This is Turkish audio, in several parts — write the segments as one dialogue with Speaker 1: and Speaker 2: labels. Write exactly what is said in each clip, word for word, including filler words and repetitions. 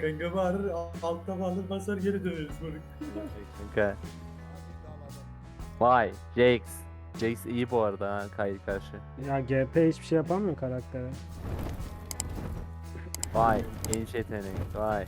Speaker 1: kanka bağırır altta bağırır basar geri döneriz moruk.
Speaker 2: Kanka. Vay Jax. Jax iyi bu arada ha Kayı karşı.
Speaker 3: Ya G P hiçbir şey yapamıyor karaktere.
Speaker 2: Vay genç yetenek vay.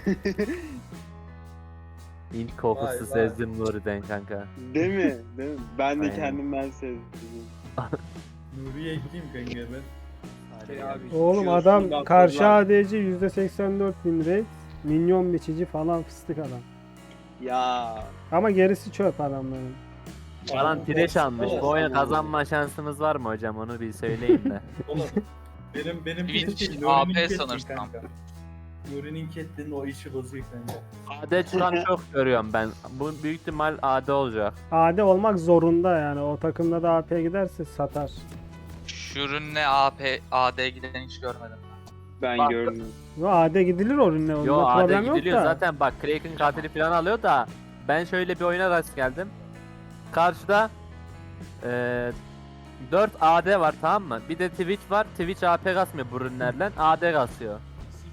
Speaker 2: İlk kokusu
Speaker 1: Vay, vay.
Speaker 2: sezdim Nuri'den kanka.
Speaker 4: Değil mi? Değil mi? Ben de
Speaker 2: Aynen.
Speaker 4: kendimden sevdim.
Speaker 1: Nuri'ye gideyim kanka ben.
Speaker 4: Şey abi,
Speaker 3: Oğlum
Speaker 4: şu
Speaker 3: adam
Speaker 4: şundan
Speaker 3: karşı
Speaker 4: sonra-
Speaker 3: A D C yüzde seksen dört bin rate. Minyon biçici falan fıstık adam.
Speaker 4: Ya
Speaker 3: Ama gerisi çöp adamların.
Speaker 2: Falan tireş almış. Bu oyunu kazanma şansımız var mı hocam onu bir söyleyin de.
Speaker 1: Oğlum benim benim
Speaker 5: Twitch
Speaker 1: Twitch değil,
Speaker 5: A
Speaker 1: Nuri'nin
Speaker 5: P
Speaker 1: Cat'in
Speaker 5: sanırsam.
Speaker 1: kanka. Nuri'nin Cat'in o işi bozuyor kanka.
Speaker 2: A D çıkan çok görüyorum ben. Bu büyük ihtimal A D olacak.
Speaker 3: A D olmak zorunda yani. O takımda da A P giderse satar.
Speaker 5: Şu ürünle A P A D giden hiç görmedim.
Speaker 4: ben
Speaker 2: Bak-
Speaker 4: gördüm.
Speaker 3: Yo A D gidilir o ürünle.
Speaker 2: Yo
Speaker 3: Onda
Speaker 2: A D
Speaker 3: problem yok
Speaker 2: gidiliyor
Speaker 3: da.
Speaker 2: zaten bak Kraken katili falan alıyor da ben şöyle bir oyuna rast geldim. Karşıda eee dört A D var tamam mı? Bir de Twitch var. Twitch A P kasmıyor bu ürünlerle. A D kasıyor.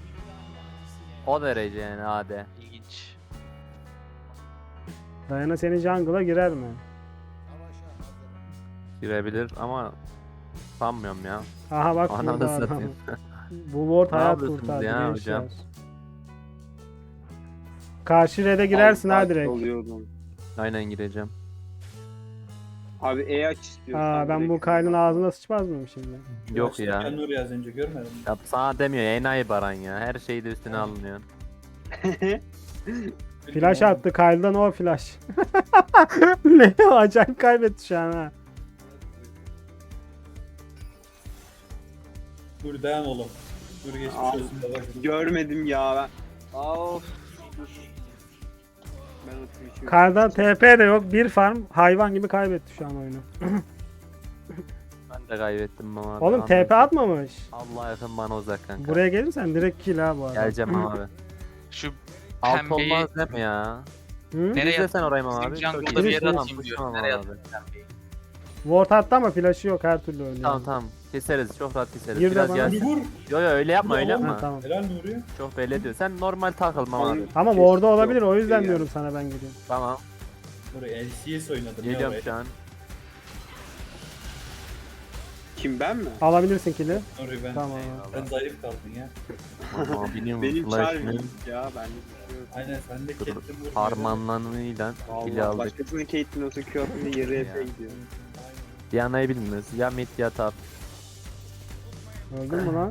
Speaker 2: O derece yani A D.
Speaker 5: İlginç.
Speaker 3: Dayana senin jungle'a girer mi?
Speaker 2: Girebilir ama sanmıyorum ya.
Speaker 3: Aha bak
Speaker 2: Ananı
Speaker 3: burada adam.
Speaker 2: satayım.
Speaker 3: Bu ward
Speaker 2: Ne
Speaker 3: hayat
Speaker 2: yapıyorsunuz
Speaker 3: kurtardı
Speaker 2: ya
Speaker 3: gençler.
Speaker 2: hocam?
Speaker 3: Karşı red'e girersin ha
Speaker 4: Az
Speaker 3: direkt.
Speaker 4: oluyordum.
Speaker 2: Aynen gireceğim.
Speaker 4: Abi E aç istiyorsan.
Speaker 3: Aa ben bu
Speaker 4: direkt.
Speaker 3: Kyle'ın ağzına sıçmaz mıyım şimdi?
Speaker 2: Yok ya.
Speaker 1: Ben Nuri az önce görmedim. mi?
Speaker 2: Ya sana demiyor enayi baran ya. Her şeyi de üstüne alınıyor.
Speaker 3: Flash attı Kyle'dan o flash. Leo acayip kaybetti şu an ha.
Speaker 1: Nuri dayan oğlum. Nuri geçmiş
Speaker 4: Abi,
Speaker 1: olsun baba.
Speaker 4: Görmedim ya ben. Of. Ben o Twitch'i-
Speaker 3: Kyle'dan T P de yok. Bir farm hayvan gibi kaybetti şu an oyunu.
Speaker 2: Ben de kaybettim ama.
Speaker 3: Oğlum T P atmamış.
Speaker 2: Allah yakın bana uzak kanka.
Speaker 3: Buraya gelirsen direkt kill ha bu arada.
Speaker 2: Geleceğim abi.
Speaker 5: Şu
Speaker 2: Alt
Speaker 5: Pembeyi-
Speaker 2: olmaz değil mi ya?
Speaker 3: Hı?
Speaker 5: nereye
Speaker 2: İzle sen orayı mı
Speaker 5: Bizim
Speaker 2: abi?
Speaker 5: jungle'da
Speaker 2: Çok iyi.
Speaker 5: bir yere
Speaker 2: Tamam,
Speaker 5: atayım diyor.
Speaker 2: tamam
Speaker 5: Nereye
Speaker 2: abi.
Speaker 5: atayım pembeyi?
Speaker 3: Ward attı ama flash'ı yok her türlü oynuyor.
Speaker 2: Tamam tamam. Keseriz. Çok rahat keseriz.
Speaker 3: Gir de
Speaker 2: Biraz
Speaker 3: bana.
Speaker 2: yaz.
Speaker 1: Nuri vur.
Speaker 2: Yo yo öyle yapma öyle
Speaker 1: Tamam,
Speaker 3: Ha,
Speaker 2: yapma.
Speaker 3: tamam.
Speaker 1: Helal Nuri.
Speaker 2: Çok belli ediyor. Sen normal takılma abi.
Speaker 3: Ama
Speaker 4: Kesin
Speaker 3: ward'da olabilir
Speaker 4: yok.
Speaker 3: o yüzden
Speaker 4: Şey
Speaker 3: diyorum sana ben gideyim.
Speaker 2: Tamam.
Speaker 1: Nuri L C S oynadım ya
Speaker 2: Geliyorum
Speaker 1: oraya.
Speaker 2: şu an.
Speaker 4: Kim ben mi?
Speaker 3: Alabilirsin kill'i.
Speaker 1: Nuri ben.
Speaker 3: Tamam.
Speaker 1: Sen zayıf kaldın ya.
Speaker 2: Ama biliyorum
Speaker 4: Benim
Speaker 2: flash'ını
Speaker 4: çağırmıyor ya. Ben de bir şey yok.
Speaker 1: Aynen sen de
Speaker 2: Dur,
Speaker 1: Cat'in vur.
Speaker 2: harmanlanıyla kili
Speaker 4: Vallahi
Speaker 2: aldık.
Speaker 4: başkasının Caitlyn olsa Q atınca yarı
Speaker 2: Ya.
Speaker 4: F'e gidiyor.
Speaker 2: Diana'yı bilmiyoruz. Ya mid ya top.
Speaker 3: Öldün mü lan?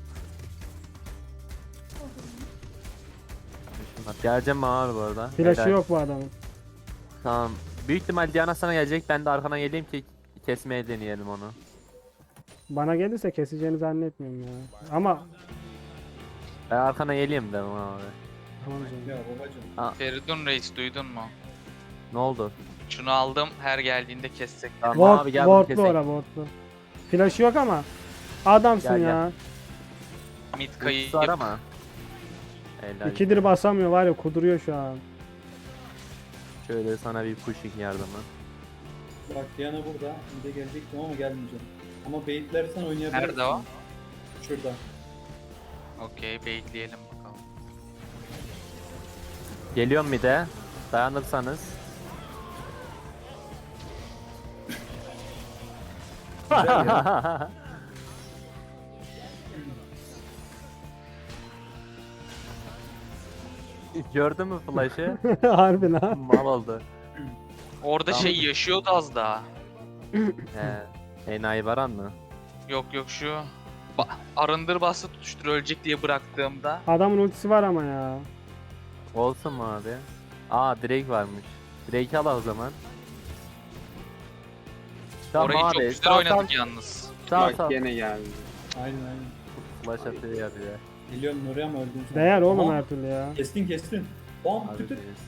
Speaker 2: Geleceğim abi bu arada.
Speaker 3: Flash'ı
Speaker 2: Helal.
Speaker 3: yok bu adamın.
Speaker 2: Tamam. Büyük ihtimal Diana sana gelecek. Ben de arkana geleyim ki kesmeye deneyelim onu.
Speaker 3: Bana gelirse keseceğini zannetmiyorum ya. Ama
Speaker 2: Ben arkana geleyim de abi.
Speaker 3: tamam canım.
Speaker 1: Ya babacım.
Speaker 5: Feridun Reis duydun mu?
Speaker 2: Ne oldu?
Speaker 5: Şunu aldım her geldiğinde kessek.
Speaker 2: Tamam
Speaker 3: Ward,
Speaker 2: abi gel bunu
Speaker 3: wardlu
Speaker 2: keselim.
Speaker 3: ora wardlu. Flash'ı yok ama adamsın
Speaker 2: Gel, gel.
Speaker 3: ya.
Speaker 5: Mid
Speaker 2: Ultisi
Speaker 5: kayı
Speaker 2: var ama. Helal.
Speaker 3: İkidir basamıyor var ya kuduruyor şu an.
Speaker 2: Şöyle sana bir pushing yardımı.
Speaker 1: Bak Diana burada. Bir de gelecektim ama gelmeyeceğim. Ama baitlersen oynayabilirsin.
Speaker 5: Nerede o?
Speaker 1: Şurada.
Speaker 5: Okey bekleyelim bakalım.
Speaker 2: Geliyorum bir de. Dayanırsanız.
Speaker 1: Güzel ya.
Speaker 2: Gördün mü flash'ı?
Speaker 3: Harbi lan.
Speaker 2: Mal oldu.
Speaker 5: Orada
Speaker 2: Tamam.
Speaker 5: şey yaşıyordu az daha.
Speaker 2: He. Enayi varan mı?
Speaker 5: Yok yok şu. Ba- arındır bastı tutuştur ölecek diye bıraktığımda.
Speaker 3: Adamın ultisi var ama ya.
Speaker 2: Olsun mu abi? Aa Drake varmış. Drake al o zaman. Tamam
Speaker 5: Orayı çok
Speaker 2: abi.
Speaker 5: güzel
Speaker 2: Sağ
Speaker 5: oynadık
Speaker 2: sağ.
Speaker 5: yalnız.
Speaker 2: Sağ
Speaker 4: Bak
Speaker 2: sağ.
Speaker 4: gene geldi.
Speaker 1: Aynen aynen.
Speaker 2: Flash atıyor ya bir de.
Speaker 1: Geliyorum Nuri ama öldün sen.
Speaker 3: Değer oğlum
Speaker 1: Aa,
Speaker 3: her türlü ya.
Speaker 1: Kestin kestin. Bam
Speaker 2: Abi
Speaker 1: tütüt.
Speaker 2: diyorsun.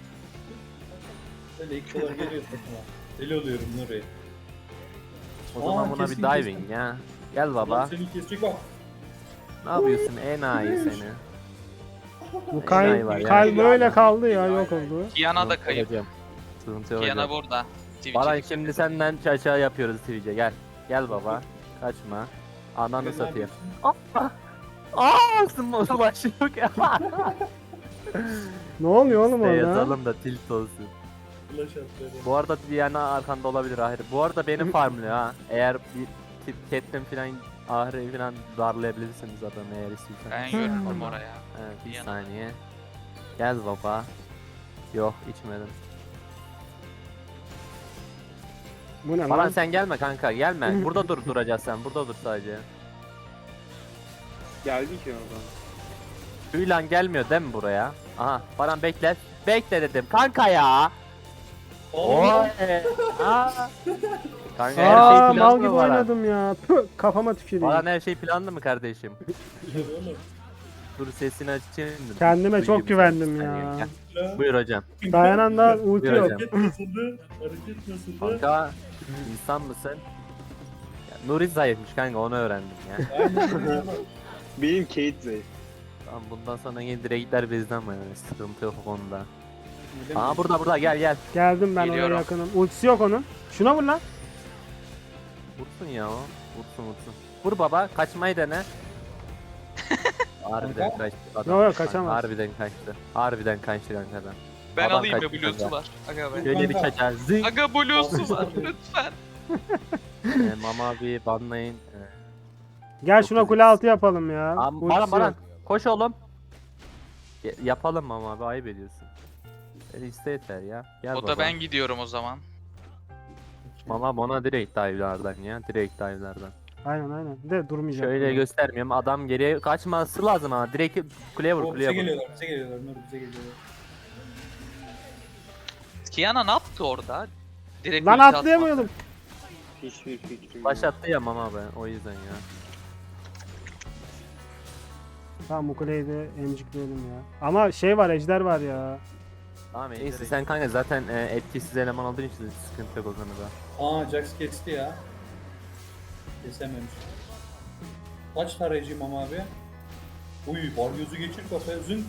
Speaker 1: Böyle ilk dolar geliyor takıma. Deli oluyorum Nuri.
Speaker 2: O zaman
Speaker 1: Aa,
Speaker 2: buna
Speaker 1: kesin,
Speaker 2: bir diving
Speaker 1: kesin.
Speaker 2: ya. Gel
Speaker 1: Lan
Speaker 2: baba.
Speaker 1: seni kesecek bak.
Speaker 2: Ne yapıyorsun enayi seni?
Speaker 3: Bu
Speaker 2: Enayi
Speaker 3: Kyle,
Speaker 2: var ya.
Speaker 3: Kyle böyle kaldı ya yok oldu.
Speaker 5: Kiana da kayıp.
Speaker 2: Hocam. Sıkıntı yok
Speaker 5: Kiana
Speaker 2: hocam.
Speaker 5: burada.
Speaker 2: Baran
Speaker 5: Twitch'e
Speaker 2: şimdi senden çaça yapıyoruz Twitch'e gel. Gel baba. Kaçma. Ananı
Speaker 1: Ben ne
Speaker 2: satayım.
Speaker 1: yapıyorsun?
Speaker 2: Aaa ısınma başı yok ya.
Speaker 3: Ne oluyor oğlum
Speaker 2: İşte
Speaker 3: orada?
Speaker 2: yazalım da tilt olsun.
Speaker 1: Flash attı.
Speaker 2: Bu arada Diana arkanda olabilir Ahri. Bu arada benim farmlıyor ha. Eğer bir tip Catelyn falan Ahri falan darlayabilirsiniz adamı eğer istiyorsanız.
Speaker 5: Ben görürdüm oraya.
Speaker 2: Evet, bir
Speaker 5: Diana.
Speaker 2: saniye. Gel baba. Yok içmedim.
Speaker 3: Bu ne
Speaker 2: Baran
Speaker 3: lan?
Speaker 2: sen gelme kanka gelme. Burada dur duracağız sen. Burada dur sadece.
Speaker 4: Geldi ki oradan.
Speaker 2: Hülan gelmiyor değil mi buraya? Aha Baran bekle. Bekle dedim kanka ya. Oy. Aa. Kanka her
Speaker 3: Aa
Speaker 2: şey
Speaker 3: mal
Speaker 2: planlı
Speaker 3: gibi
Speaker 2: mı Baran?
Speaker 3: oynadım ya. Püh, kafama tüküreyim.
Speaker 2: Baran her şey planlı mı kardeşim?
Speaker 1: Oğlum.
Speaker 2: Dur sesini açayım.
Speaker 3: Kendime
Speaker 2: Duyayım
Speaker 3: çok
Speaker 2: seni.
Speaker 3: güvendim
Speaker 2: Bir
Speaker 3: ya.
Speaker 2: saniye, gel. Buyur hocam.
Speaker 3: Dayananda ulti
Speaker 2: Buyur
Speaker 3: yok.
Speaker 2: hocam.
Speaker 1: Hareket nasıldı? Hareket nasıldı?
Speaker 2: Kanka insan mısın? Ya, Nuri zayıfmış kanka onu öğrendim ya.
Speaker 1: Aynen.
Speaker 4: Benim Kate zayıf.
Speaker 2: Tamam bundan sonra yine direktler bizden mi yani sıkıntı yok o konuda.
Speaker 1: Öyle mi?
Speaker 2: Aa burada burada gel gel.
Speaker 3: Geldim ben oraya
Speaker 5: Geliyorum.
Speaker 3: yakınım. Ultisi yok onun. Şuna vur lan.
Speaker 2: Vursun ya o. Vursun vursun. Vur baba kaçmayı dene. Harbiden kaçtı adam.
Speaker 3: Yok, yok, kaçamaz.
Speaker 2: Harbiden kaçtı. Harbiden kaçtı kankadan.
Speaker 5: Ben
Speaker 2: Adam
Speaker 5: alayım ya
Speaker 2: kaçtı
Speaker 5: Bluetooth'u
Speaker 2: kanka.
Speaker 5: var. Aga ben.
Speaker 2: Şöyle bir
Speaker 1: Kanka.
Speaker 2: kaçar. Zing.
Speaker 5: Aga Bluetooth'u var lütfen.
Speaker 2: Ee, mama bir banlayın. Ee,
Speaker 3: Gel
Speaker 2: Çok
Speaker 3: şuna
Speaker 2: güzel.
Speaker 3: kule altı yapalım ya.
Speaker 2: Am
Speaker 3: Ultisi
Speaker 2: Baran
Speaker 3: yok.
Speaker 2: Baran koş oğlum. Ya- yapalım mama abi ayıp ediyorsun. Beni iste yeter ya. Gel
Speaker 5: O
Speaker 2: baba.
Speaker 5: da ben gidiyorum o zaman.
Speaker 2: Mama bana direkt dive'lardan ya. Direkt dive'lardan.
Speaker 3: Aynen aynen. De durmayacak.
Speaker 2: Şöyle göstermiyorum. Adam geriye kaçması lazım ha. Direkt kuleye vur
Speaker 1: O bize
Speaker 2: kuleye vur.
Speaker 1: geliyorlar, bize geliyorlar. Nur bize geliyorlar.
Speaker 5: Kiana ne yaptı orada? Direkt
Speaker 3: Lan
Speaker 5: ulti atma.
Speaker 3: atlayamıyordum.
Speaker 4: Hiçbir fikrim yok.
Speaker 2: Başlattı ya mama ben o yüzden ya.
Speaker 3: Tamam bu kuleyi de emcikleyelim ya. Ama şey var ejder var ya.
Speaker 2: Tamam neyse sen kanka zaten e, etkisiz eleman olduğun için sıkıntı yok o konuda.
Speaker 1: Aa Jax kesti ya. Kesememiş. Kaç tarayıcıyım ama abi? Uy balyozu geçir kafaya zın.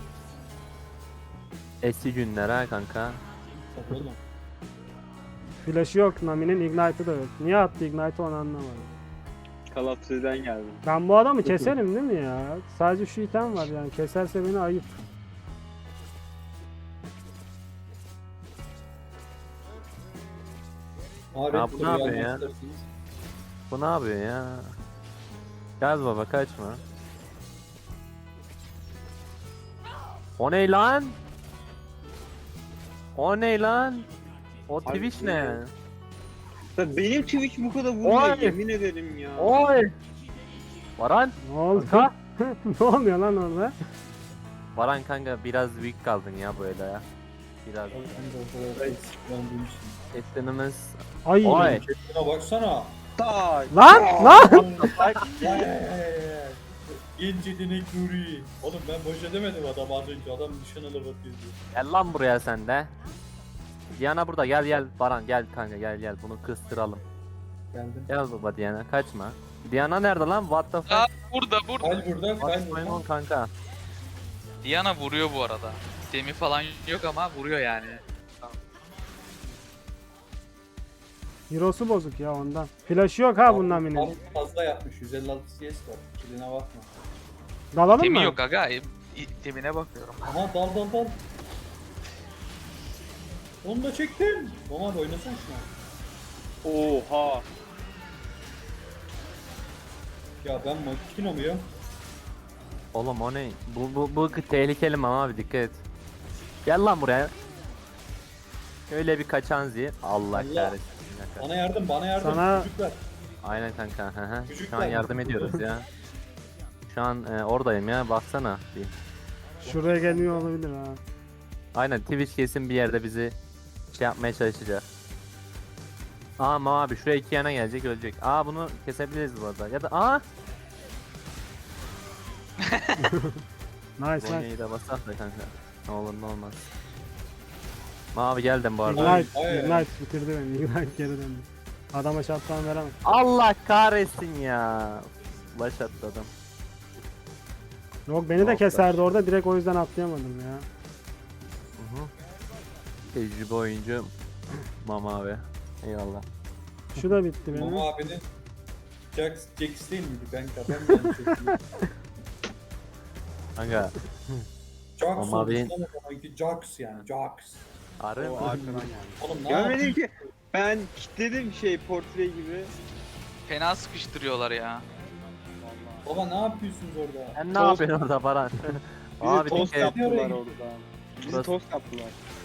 Speaker 2: Eski günler ha kanka.
Speaker 1: Bak oğlum.
Speaker 3: Flash'ı yok Nami'nin ignite'ı da yok. Niye attı ignite'ı onu anlamadım.
Speaker 4: Call of Duty'den geldim.
Speaker 3: Ben bu adamı keserim değil mi ya? Sadece şu item var yani keserse beni ayıp.
Speaker 1: Abi
Speaker 2: Ya bu ne yapıyor ya? Bu ne yapıyor ya? Gel baba kaçma. O ne lan? O ne lan? O
Speaker 4: Abi
Speaker 2: Twitch
Speaker 4: bu
Speaker 2: ne?
Speaker 4: ne? Ya benim Twitch bu kadar vurmuyor
Speaker 2: Oy!
Speaker 4: yemin ederim ya.
Speaker 2: Oy! Varan?
Speaker 3: Ne oldu?
Speaker 2: Kanka.
Speaker 3: Ne oluyor lan orada?
Speaker 2: Varan kanka biraz büyük kaldın ya böyle ya. Biraz.
Speaker 1: Ben de o kadar eksiklendiğim için.
Speaker 2: Etlenimiz.
Speaker 3: Ay.
Speaker 2: Oy!
Speaker 1: Şuna baksana.
Speaker 4: Tak.
Speaker 3: Lan lan.
Speaker 1: Vay, vay, vay. Genç yetenek Nuri. Oğlum ben boş edemedim adam az önce. Adam nişan alıp atıyordu.
Speaker 2: Gel lan buraya sen de. Diana burada gel gel Baran gel kanka gel gel bunu kıstıralım.
Speaker 1: Geldim.
Speaker 2: Gel baba Diana kaçma. Diana nerede lan? What the
Speaker 5: Aa,
Speaker 2: fuck?
Speaker 5: burada burada.
Speaker 1: Kal burada, kal
Speaker 2: What's going on
Speaker 1: burada.
Speaker 2: kanka?
Speaker 5: Diana vuruyor bu arada. Demi falan yok ama vuruyor yani.
Speaker 3: Hero'su bozuk ya ondan. Flash'ı yok ha bunun Nami'nin.
Speaker 1: Abi fazla yapmış. yüz elli altı C S var. Kiline bakma.
Speaker 3: Dalalım
Speaker 5: Demi
Speaker 3: mı?
Speaker 5: yok aga. e, Demine bakıyorum.
Speaker 1: Aha dal dal dal. Onu da çektim. Omar oynasana şuna.
Speaker 4: Oha.
Speaker 1: Ya ben makino muyum?
Speaker 2: Oğlum o ne? Bu bu bu tehlikeli ama abi dikkat et. Gel lan buraya. Öyle bir kaçan zi. Allah
Speaker 1: Allah.
Speaker 2: kahretsin. Bir
Speaker 1: Bana yardım, bana yardım.
Speaker 3: Sana-
Speaker 1: Çocuklar.
Speaker 2: Aynen kanka. Hı hı. Şu an
Speaker 1: Çocuklar.
Speaker 2: yardım ediyoruz ya. Şu an e, oradayım ya baksana. Bir.
Speaker 3: Şuraya geliyor olabilir ha.
Speaker 2: Aynen Twitch kesin bir yerde bizi şey yapmaya çalışacak. Aa ama abi şuraya iki yana gelecek ölecek. Aa bunu kesebiliriz bu arada. Ya da aa
Speaker 3: Nice nice.
Speaker 2: Bonya'yı da basak da kanka. Ne olur ne olmaz. Mavi geldim bu arada.
Speaker 3: Ignite,
Speaker 1: Ay, ay, ay.
Speaker 3: Ignite bitirdi beni. Ignite geri döndü. Adama şaptan veremem.
Speaker 2: Allah kahretsin ya. Flash attı adam.
Speaker 3: Yok beni de
Speaker 2: Yok,
Speaker 3: keserdi orada direkt o yüzden atlayamadım ya.
Speaker 2: Hı hı. Tecrübe oyuncu Mama abi. Eyvallah.
Speaker 3: Şu da bitti benim.
Speaker 1: Mama abinin Jax, Jax değil miydi kanka? Ben de yanlış hatırlıyorum.
Speaker 2: Kanka.
Speaker 1: Jax
Speaker 2: Ama
Speaker 1: olmuş
Speaker 2: benim-
Speaker 1: lan o zamanki Jax yani Jax.
Speaker 2: Harbi
Speaker 4: O
Speaker 2: mi?
Speaker 4: arkadan geldi.
Speaker 1: Oğlum ne
Speaker 4: Görmedin
Speaker 1: yapıyorsun?
Speaker 4: ki. Ben kilitledim şey portre gibi.
Speaker 5: Fena sıkıştırıyorlar ya.
Speaker 1: Baba ne yapıyorsunuz orada?
Speaker 2: Sen ne
Speaker 4: Tost-
Speaker 2: yapıyorsun orada Baran?
Speaker 4: Bizi
Speaker 2: Abi
Speaker 4: tost
Speaker 2: dikkat et.
Speaker 4: yaptılar
Speaker 1: Oraya
Speaker 4: orada. Bizi
Speaker 2: Burası-
Speaker 4: tost yaptılar.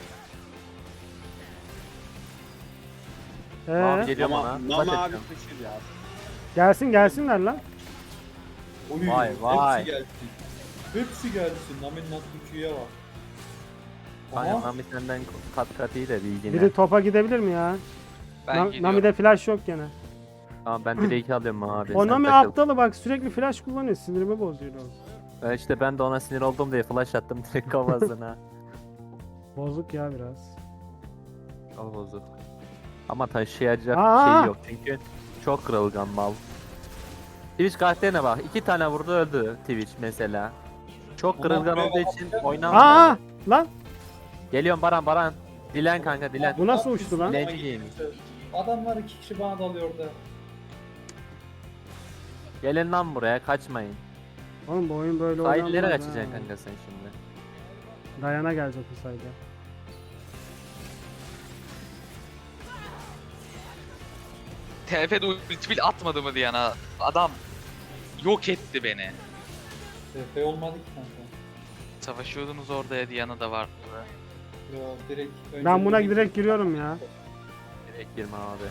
Speaker 2: Abi
Speaker 3: Ee,
Speaker 2: geliyorum
Speaker 4: Ama
Speaker 2: ona.
Speaker 4: Mama
Speaker 2: Dikkat
Speaker 4: abi
Speaker 2: edeceğim.
Speaker 4: taşır ya.
Speaker 3: gelsin gelsinler lan.
Speaker 1: Oy,
Speaker 2: Vay, vay.
Speaker 1: Hepsi gelsin. Hepsi gelsin. Namin nasıl üçüye bak.
Speaker 2: Aynen
Speaker 1: Aha.
Speaker 2: Nami senden kat kat iyi de bilgine.
Speaker 3: Biri topa gidebilir mi ya?
Speaker 5: Ben
Speaker 3: Na-
Speaker 5: gidiyorum.
Speaker 3: Nami'de flash yok gene.
Speaker 2: Tamam ben direği alıyorum abi.
Speaker 3: O
Speaker 2: sen
Speaker 3: Nami
Speaker 2: takıl.
Speaker 3: aptalı bak sürekli flash kullanıyor. Sinirimi bozuyor o.
Speaker 2: E İşte ben de ona sinir oldum diye flash attım direkt kafasına.
Speaker 3: Bozuk ya biraz.
Speaker 2: Al bozuk. Ama taşıyacak
Speaker 3: Aa!
Speaker 2: şey yok çünkü çok kırılgan mal. Twitch karakterine bak. iki tane vurdu öldü Twitch mesela. Çok
Speaker 1: Ama
Speaker 2: kırılgan
Speaker 1: buraya
Speaker 2: olduğu için
Speaker 1: bakacak
Speaker 2: oynamıyor.
Speaker 3: Aa lan
Speaker 2: Geliyorum Baran Baran. Dilen kanka dilen.
Speaker 3: bu nasıl uçtu lan?
Speaker 2: Dilenci giymiş.
Speaker 1: Adamlar iki kişi bana dalıyor orada.
Speaker 2: Gelin lan buraya kaçmayın.
Speaker 3: Oğlum bu oyun böyle
Speaker 2: Sahillere
Speaker 3: oynanmaz
Speaker 2: kaçacaksın
Speaker 3: ha.
Speaker 2: kanka sen şimdi.
Speaker 3: Dayana gelecek bu sayede.
Speaker 5: T F'de ultibil atmadı mı Diana? Adam yok etti beni.
Speaker 1: T F olmadı ki kanka.
Speaker 5: Savaşıyordunuz orada ya Diana da vardı.
Speaker 1: Yo direkt.
Speaker 3: Ben buna
Speaker 1: önce-
Speaker 3: direkt giriyorum ya.
Speaker 2: Direkt girme abi.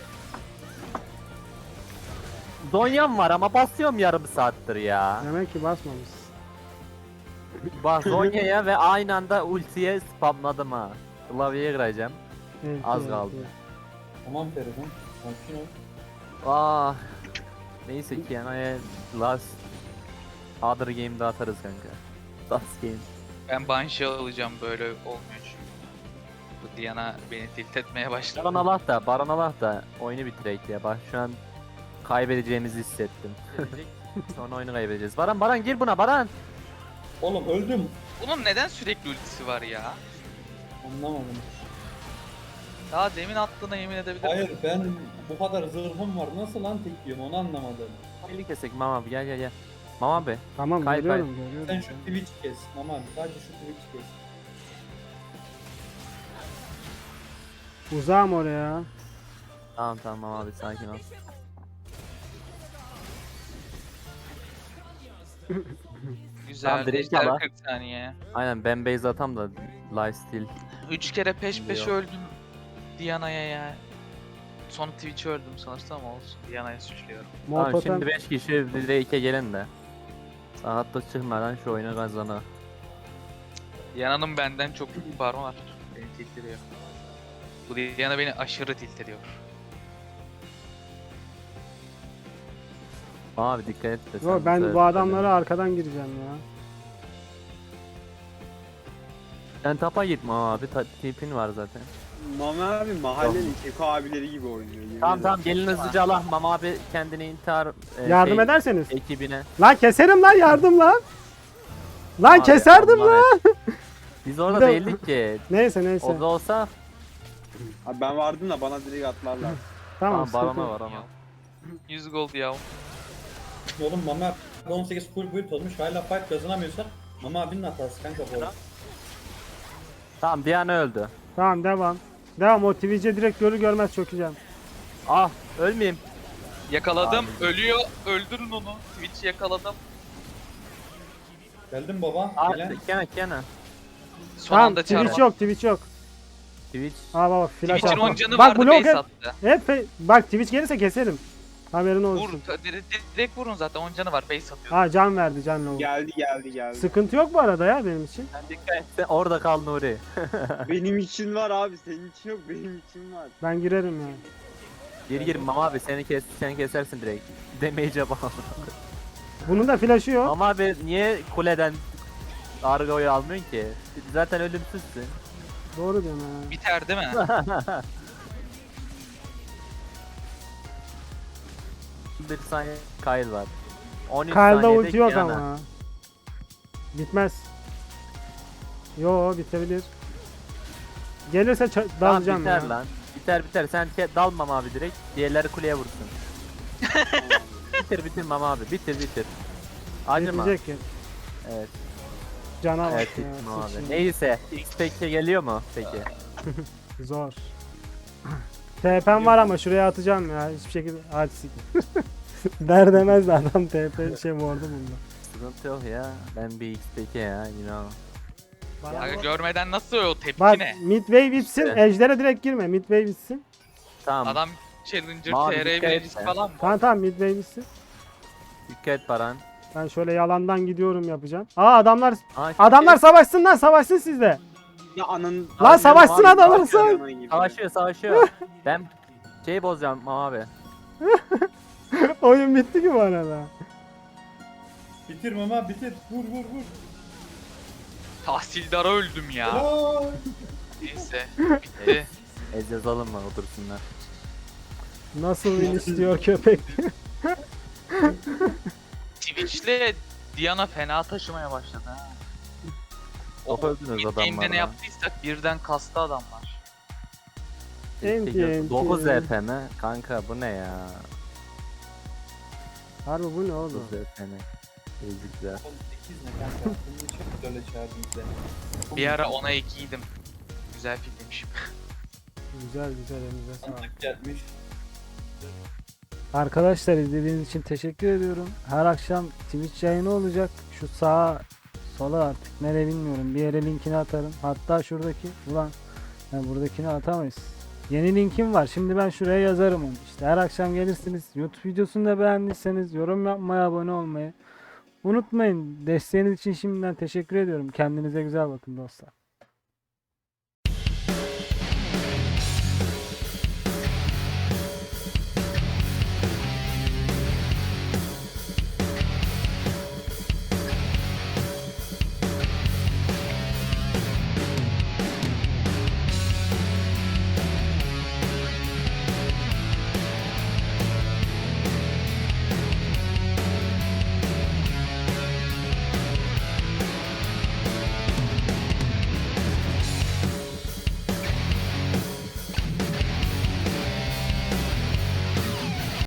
Speaker 2: Zonya'm var ama basıyorum yarım saattir ya.
Speaker 3: Demek ki basmamış.
Speaker 2: Bak Zonya'ya ve aynı anda ultiye spamladım ha. Klavyeye gireceğim.
Speaker 3: Evet,
Speaker 2: Az
Speaker 3: evet,
Speaker 2: kaldı.
Speaker 3: evet.
Speaker 1: Tamam Feridun. Sakin ol.
Speaker 2: Ah. Neyse ki yani last other game'de atarız kanka. Last game.
Speaker 5: Ben Banshee alacağım böyle olmuyor çünkü. Bu Diana beni tilt etmeye başladı.
Speaker 2: Baran Allah da, Baran Allah da oyunu bitirek ya. Bak şu an kaybedeceğimizi hissettim. Sonra oyunu kaybedeceğiz. Baran Baran gir buna Baran.
Speaker 1: Oğlum öldüm.
Speaker 5: Bunun neden sürekli ultisi var ya?
Speaker 1: Anlamadım.
Speaker 5: Daha demin attığına yemin edebilirim.
Speaker 1: Hayır ben bu kadar zırhım var. Nasıl lan tek yiyorum onu anlamadım.
Speaker 2: Birlik kesek Mama abi gel gel gel. Mama abi.
Speaker 3: Tamam
Speaker 2: Kay,
Speaker 3: görüyorum
Speaker 1: Sen
Speaker 3: görüyorum.
Speaker 1: şu Twitch kes. Aman sadece şu Twitch kes.
Speaker 3: Uzağım oraya.
Speaker 2: Tamam tamam Mama abi sakin ol.
Speaker 5: Güzel.
Speaker 2: Tamam, direkt
Speaker 5: Ejder
Speaker 2: al ha.
Speaker 5: kırk saniye.
Speaker 2: Aynen ben base atam da lifesteal.
Speaker 5: Üç kere peş peşe
Speaker 2: Biliyor.
Speaker 5: öldüm Diana'ya ya. Son Twitch'e öldüm sanırsam ama olsun. Diana'yı suçluyorum.
Speaker 3: Mor
Speaker 2: Tamam
Speaker 3: totem.
Speaker 2: şimdi beş kişi direğe gelin de. Saatlik çıkmadan şu oyunu kazanı.
Speaker 5: Diana'nın benden çok büyük parmağı var. Beni tilt ediyor. Bu Diana beni aşırı tilt ediyor.
Speaker 2: Mama abi dikkat et de sen
Speaker 3: Yo, ben
Speaker 2: söyle-
Speaker 3: bu adamlara arkadan gireceğim ya.
Speaker 2: Sen tapa git Mama abi ta- tipin var zaten.
Speaker 4: Mama abi mahallenin Keko abileri gibi oynuyor. yemin
Speaker 2: Tamam
Speaker 4: ederim.
Speaker 2: tamam gelin hızlıca Allah Mama abi kendini intihar e,
Speaker 3: Yardım
Speaker 2: şey,
Speaker 3: ederseniz.
Speaker 2: ekibine.
Speaker 3: Lan keserim lan yardım lan. Lan
Speaker 2: Abi,
Speaker 3: keserdim
Speaker 2: Allah
Speaker 3: lan.
Speaker 2: et. Biz orada
Speaker 3: Bir de-
Speaker 2: değildik ki.
Speaker 3: Neyse neyse.
Speaker 2: O da olsa
Speaker 4: Abi ben vardım da bana direkt atlarlar.
Speaker 3: Tamam
Speaker 2: tamam
Speaker 3: sıkıntı
Speaker 2: barona
Speaker 3: yok.
Speaker 2: var ama.
Speaker 5: yüz gold ya.
Speaker 1: Oğlum Mama on sekiz full build olmuş. Hala fight kazanamıyorsak Mama abinin hatası kanka bu.
Speaker 2: Tamam Diana öldü.
Speaker 3: Tamam devam. Devam o Twitch'e direkt görür görmez çökeceğim.
Speaker 2: Ah ölmeyeyim.
Speaker 5: Yakaladım. Ölüyor. Öldürün onu. Twitch'i yakaladım.
Speaker 1: Geldin baba.
Speaker 2: Ah
Speaker 1: Gelen.
Speaker 2: Kena Kena.
Speaker 5: Son
Speaker 3: Tamam
Speaker 5: anda
Speaker 3: Twitch
Speaker 5: çarptı.
Speaker 3: yok Twitch yok.
Speaker 2: Twitch.
Speaker 3: Ha baba flash
Speaker 5: Twitch'in on
Speaker 3: attım.
Speaker 5: canı
Speaker 3: Bak
Speaker 5: vardı
Speaker 3: blok
Speaker 5: base
Speaker 3: hep,
Speaker 5: attı.
Speaker 3: hep fe- bak Twitch gelirse keserim. Haberin olsun.
Speaker 5: Vur. ta- Direkt, direkt vurun zaten. on canı var. Base atıyor.
Speaker 3: Ha can verdi can low.
Speaker 4: Geldi geldi geldi.
Speaker 3: Sıkıntı yok bu arada ya benim için.
Speaker 2: Sen dikkat et. Sen orada kal Nuri.
Speaker 4: Benim için var abi senin için yok benim için var.
Speaker 3: Ben girerim ya.
Speaker 2: Gir gir Mama abi seni kes sen kesersin direkt. Demeyece bana.
Speaker 3: Bunun da flash'ı yok.
Speaker 2: Mama abi niye kuleden Argo'yu almıyorsun ki? Zaten ölümsüzsün.
Speaker 3: Doğru diyorsun ha.
Speaker 5: Biter değil mi?
Speaker 2: Bir saniye Kyle var. on üç
Speaker 3: Kyle'da
Speaker 2: saniyede
Speaker 3: ulti yok
Speaker 2: Kiana.
Speaker 3: ama. Bitmez. Yo bitebilir. Gelirse ça-
Speaker 2: Tamam
Speaker 3: dalacağım
Speaker 2: biter
Speaker 3: ya.
Speaker 2: lan. Biter biter sen ke- dal Mama abi direkt. Diğerleri kuleye vursun. bitir bitir Mama abi bitir bitir. Acıma.
Speaker 3: Bitecek ki.
Speaker 2: Evet.
Speaker 3: Cana bak
Speaker 2: Evet
Speaker 3: ya.
Speaker 2: Tikmo abi.
Speaker 3: sıçayım.
Speaker 2: Neyse X peki geliyor mu peki?
Speaker 3: Zor. T P'm var ama şuraya atacağım ya. Hiçbir şekilde. Hadi sik. Der demez de adam T P şey vurdu bunda.
Speaker 2: Sıkıntı yok ya. Ben bir X peki ya inan.
Speaker 5: Aga görmeden nasıl o tepki
Speaker 3: Bak
Speaker 5: ne?
Speaker 3: midway bitsin.
Speaker 2: İşte.
Speaker 3: Ejder'e direkt girme. Midway bitsin.
Speaker 2: Tamam.
Speaker 5: Adam Challenger
Speaker 2: Mavi
Speaker 5: T R
Speaker 2: dikkat
Speaker 5: birincisi
Speaker 2: et.
Speaker 5: falan mı?
Speaker 3: Tamam tamam midway bitsin.
Speaker 2: Dikkat Baran.
Speaker 3: Ben şöyle yalandan gidiyorum yapacağım. Aa adamlar
Speaker 2: Aa,
Speaker 3: adamlar savaşsın lan savaşsın sizde.
Speaker 4: Ya anın...
Speaker 3: Lan savaşsın
Speaker 2: abi,
Speaker 3: adamlar
Speaker 4: Abi,
Speaker 3: savaş.
Speaker 4: ana gibi.
Speaker 2: Savaşıyor savaşıyor. Ben şey bozacağım abi.
Speaker 3: Oyun bitti ki bu arada.
Speaker 1: Bitir mama bitir. Vur vur vur.
Speaker 5: Tahsildara öldüm ya.
Speaker 1: Aa!
Speaker 5: Neyse bitti.
Speaker 2: Ez yazalım mı otursunlar.
Speaker 3: Nasıl win istiyor köpek?
Speaker 5: Twitch'le Diana fena taşımaya başladı ha.
Speaker 2: Top öldünüz
Speaker 5: Game'de ne
Speaker 2: adamlarla.
Speaker 5: yaptıysak birden kastı adamlar.
Speaker 3: Enti, enti.
Speaker 2: dokuz R P mi? Kanka bu ne ya?
Speaker 3: Harbi bu ne oğlum?
Speaker 2: dokuz R P mi? Ezikler.
Speaker 1: on sekiz ne kanka? Bunun için böyle çağırdım seni.
Speaker 5: Bir ara ona ikiydim. Güzel filmmiş.
Speaker 3: Güzel güzel elinize sağlık.
Speaker 1: Sandık gelmiş.
Speaker 3: Arkadaşlar izlediğiniz için teşekkür ediyorum. Her akşam Twitch yayını olacak. Şu sağa sola artık nereye bilmiyorum. Bir yere linkini atarım. Hatta şuradaki ulan ya buradakini atamayız. Yeni linkim var. Şimdi ben şuraya yazarım onu. İşte her akşam gelirsiniz. YouTube videosunu da beğendiyseniz yorum yapmayı, abone olmayı unutmayın. Desteğiniz için şimdiden teşekkür ediyorum. Kendinize güzel bakın dostlar.